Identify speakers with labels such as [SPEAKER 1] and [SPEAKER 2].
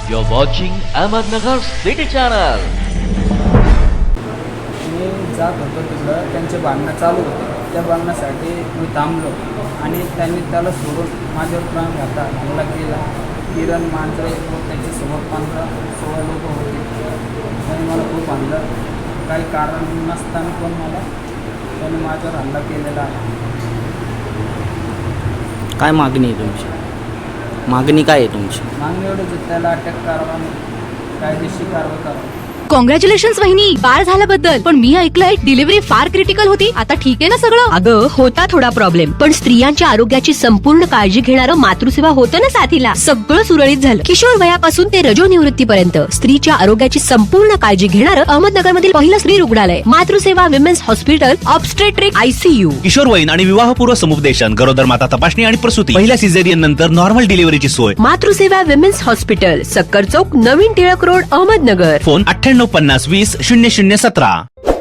[SPEAKER 1] You're watching Ahmednagar City Channel.
[SPEAKER 2] मी जात होतो तिकडं, त्यांचे भांडणं चालू होते. त्या भांडणासाठी मी थांबलो आणि त्यांनी त्याला सोडून माझ्यावर प्राण घातला, हल्ला केला. किरण मांजरे व त्याच्यासोबत 15-16 लोक होते. त्यांनी मला खूप आणलं. काही कारण नसताना पण त्यांनी माझ्यावर हल्ला केलेला आहे.
[SPEAKER 3] काय मागणी आहे तुमची? मागणी काय आहे तुमची?
[SPEAKER 2] मागणी एवढंच आहे, त्याला अटक करावा आणि कायदेशीर कारवाई करावी.
[SPEAKER 4] कॉंग्रॅच्युलेशन्स वहिनी, बाळ झाल्याबद्दल. पण मी ऐकलंय डिलिव्हरी फार क्रिटिकल होती. आता ठीक आहे ना सगळं?
[SPEAKER 5] अगं होता थोडा प्रॉब्लेम, पण स्त्रियांच्या आरोग्याची संपूर्ण काळजी घेणारं मातृसेवा होतं ना साथीला. सगळं सुरळीत झालं. किशोर वयापासून ते रजोनिवृत्तीपर्यंत स्त्रीच्या आरोग्याची संपूर्ण काळजी घेणारं अहमदनगर मधील पहिलं स्त्री रुग्णालय Matruseva women's hospital obstetric ICU.
[SPEAKER 6] किशोरवयीन आणि विवाहपूर्व समुपदेशन, गरोदर माता तपासणी आणि प्रसूती, पहिल्या सिझेरियन नंतर नॉर्मल डिलिव्हरीची सोय.
[SPEAKER 5] मातृसेवा विमेन्स हॉस्पिटल, सक्कर चौक, नवीन टिळक रोड, अहमदनगर.
[SPEAKER 6] फोन 9850 20 0017.